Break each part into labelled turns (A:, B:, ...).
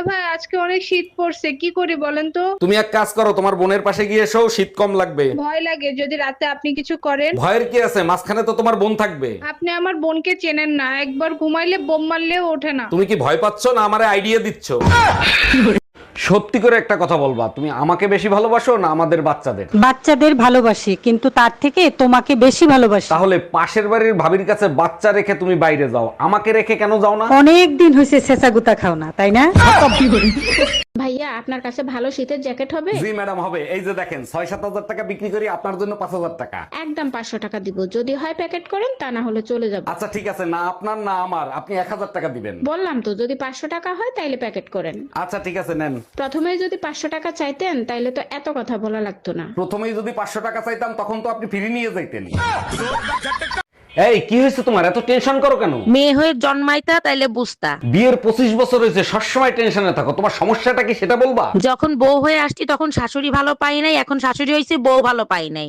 A: ভাই আজকে অনেক শীত পড়ছে, কি করি বলেন তো?
B: তুমি এক কাজ করো, তোমার বোনের পাশে গিয়ে এসো, শীত কম লাগবে।
A: ভয় লাগে যদি রাতে আপনি কিছু করেন।
B: ভয়ের কি আছে, মাঝখানে তো তোমার বোন থাকবে।
A: আপনি আমার বোনকে চেনেন না, একবার ঘুমাইলে বোম মারলেও ওঠে না।
B: তুমি কি ভয় পাচ্ছ না আমারে আইডিয়া দিচ্ছ? সত্যি করে একটা কথা বলবা, তুমি আমাকে বেশি ভালোবাসো না আমাদের বাচ্চাদের?
C: বাচ্চাদের ভালোবাসি, কিন্তু তার থেকে তোমাকে বেশি ভালোবাসি।
B: তাহলে পাশের বাড়ির ভাবির কাছে বাচ্চা রেখে তুমি বাইরে যাও, আমাকে রেখে কেন যাও না?
C: অনেক দিন হয়েছে ছেঁচা গুতা খাও না, তাই না?
A: ভাইয়া আপনার কাছে ভালো শীতের জ্যাকেট হবে?
B: জি ম্যাডাম হবে, এই যে দেখেন 6-7 হাজার টাকা বিক্রি করি, আপনার জন্য 5,000 টাকা।
A: একদম 500 টাকা দিব, যদি হয় প্যাকেট করেন, তা না হলে চলে যাব।
B: আচ্ছা ঠিক আছে, না আপনার না আমার, আপনি 1,000 টাকা দিবেন।
A: বললাম তো যদি 500 টাকা হয় তাইলে প্যাকেট করেন।
B: আচ্ছা ঠিক আছে নেন।
A: প্রথমে যদি 500 টাকা চাইতেন তাইলে তো এত কথা বলা লাগতো না।
B: প্রথমেই যদি 500 টাকা চাইতাম তখন তো আপনি ফিরে নিয়ে যাইতেন। এই কি হয়েছে তোমার, এত টেনশন করো কেন?
D: মেয়ে হয়ে জন্মাইতা তাইলে বুঝতা।
B: বিয়ের 25 বছর হয়েছে, সবসময় টেনশনে থাকো, তোমার সমস্যাটা কি সেটা বলবা?
D: যখন বউ হয়ে আসছি তখন শাশুড়ি ভালো পাই নাই, এখন শাশুড়ি হয়েছে বউ ভালো পাই নাই।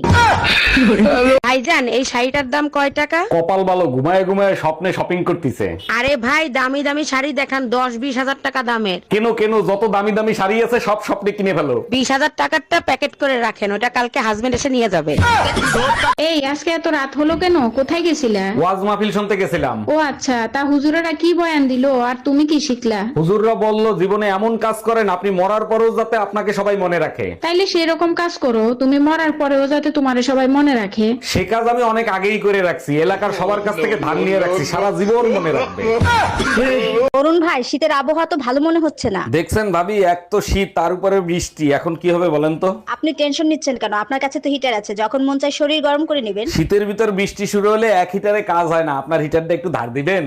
D: ভাইজান এই শাড়িটার দাম কয় টাকা?
B: কপাল ভালো, ঘুমায় ঘুমায় স্বপ্নে শপিং করতেছে।
D: আরে ভাই দামি দামি শাড়ি দেখান, 10-20 হাজার টাকা দামের।
B: কেন কেন, যত দামি দামি শাড়ি আছে সব স্বপ্নে কিনে ফেলো।
D: 20 হাজার টাকারটা প্যাকেট করে রাখেন, ওটা কালকে হাজবেন্ড এসে নিয়ে যাবে।
A: এই আজকে এত রাত হলো কেন, কোথায় গেছিলা?
B: ওয়াজ মাহফিল শুনতে গেছিলাম।
A: ও আচ্ছা, তা হুজুরেরা কি বয়ান দিলো আর তুমি কি শিখলা?
B: হুজুররা বলল জীবনে এমন কাজ করেন আপনি মরার পরেও যাতে আপনাকে সবাই মনে রাখে।
A: তাইলে সেরকম কাজ করো, তুমি মরার পরেও যাতে তোমারে সবাই মনে রাখে।
B: সে কাজ আমি অনেক আগেই করে রাখছি, এলাকার সবার কাছ থেকে ধান নিয়ে রাখছি, সারা জীবন মনে রাখবে।
E: অরুণ ভাই, শীতের আবহাওয়া তো ভালো মনে হচ্ছে না।
B: দেখছেন ভাবি, এক তো শীত তার উপরে বৃষ্টি, এখন কি হবে বলেন তো?
E: আপনি টেনশন নিচ্ছেন কেন? আপনার কাছে তো হিটার আছে, যখন মন চায় শরীর গরম করে নেবেন।
B: শীতের ভিতর বৃষ্টি শুরু হলে এক হিটারে কাজ হয় না, আপনার হিটারটা একটু ধার দিবেন।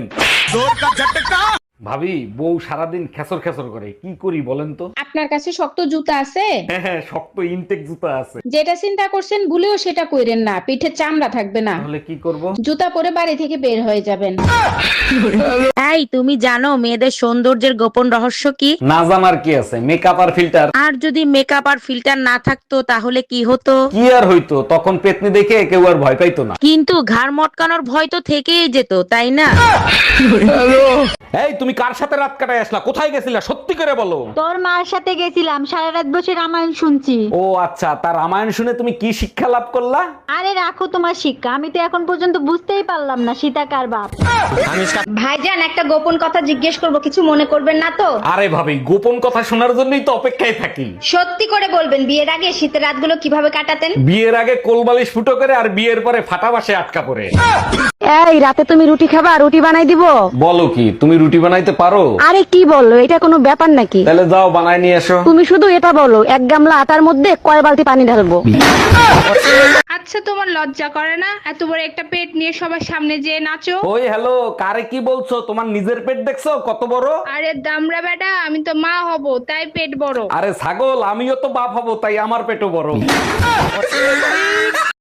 B: ভাবি, বউ সারাদিন খেসর খেসর করে, কি করি বলেন তো?
A: আপনার কাছে শক্ত জুতা আছে?
B: হ্যাঁ হ্যাঁ, শক্ত ইনটেক জুতা আছে।
A: যেটা চিন্তা করছেন ভুলেও সেটা কইরেন না, পিঠে চামড়া থাকবে না।
B: তাহলে কি করব?
A: জুতা পরে বাড়ি থেকে বের হয়ে যাবেন।
D: এই তুমি জানো মেয়েদের সৌন্দর্যের গোপন রহস্য কি?
B: না জানার কি আছে, মেকআপ আর ফিল্টার।
D: আর যদি মেকআপ আর ফিল্টার না থাকতো তাহলে কি হতো?
B: কি আর হইতো, তখন পেতনি দেখে কেউ আর ভয় পাইতো না।
D: কিন্তু ঘাড় মটকানোর ভয় তো থেকেই যেত, তাই না?
B: এই তুমি কার সাথে রাত কাটায় আসলা, কোথায় গেছিলা, সত্যি করে বলো।
E: তোর মার সাথে গেছিলাম, সারা রাত বসে রামায়ণ শুনছি।
B: ও আচ্ছা, তার রামায়ণ শুনে তুমি কি শিক্ষা লাভ করলা?
E: আরে রাখো তোমার শিক্ষা, আমি তো এখন পর্যন্ত বুঝতেই পারলাম না সীতা কার বাপ। ভাইজান একটা গোপন কথা জিজ্ঞেস করব, কিছু মনে করবেন না তো?
B: আরে ভাবি, গোপন কথা শোনার জন্যই তো অপেক্ষায় থাকি।
E: সত্যি করে বলবেন, বিয়ের আগে শীতের রাতগুলো কিভাবে কাটাতেন?
B: বিয়ের আগে কোলবালিশ ফুটো করে আর বিয়ের পরে ফাটা বাসে আটকা পড়ে।
C: এই রাতে তুমি রুটি খাবা, রুটি বানাই দিব?
B: বলো কি, তুমি রুটি বানাইতে পারো?
C: আরে কি বললো, এটা কোনো ব্যাপার নাকি?
B: তাহলে যাও বানায় নিয়ে এসো।
C: তুমি শুধু এটা বলো, এক গামলা আটার মধ্যে কয় বালতি পানি ঢালবো?
A: আচ্ছা তোমার লজ্জা করে না এত বড় একটা পেট নিয়ে সবার সামনে যে নাচো?
B: ওই হ্যালো, কারে কি বলছো? তোমার নিজের পেট দেখছো কত বড়?
A: আরে দামড়া বেটা, আমি তো মা হব তাই পেট বড়।
B: আরে ছাগল, আমিও তো বাপ হব তাই আমার পেটও বড়।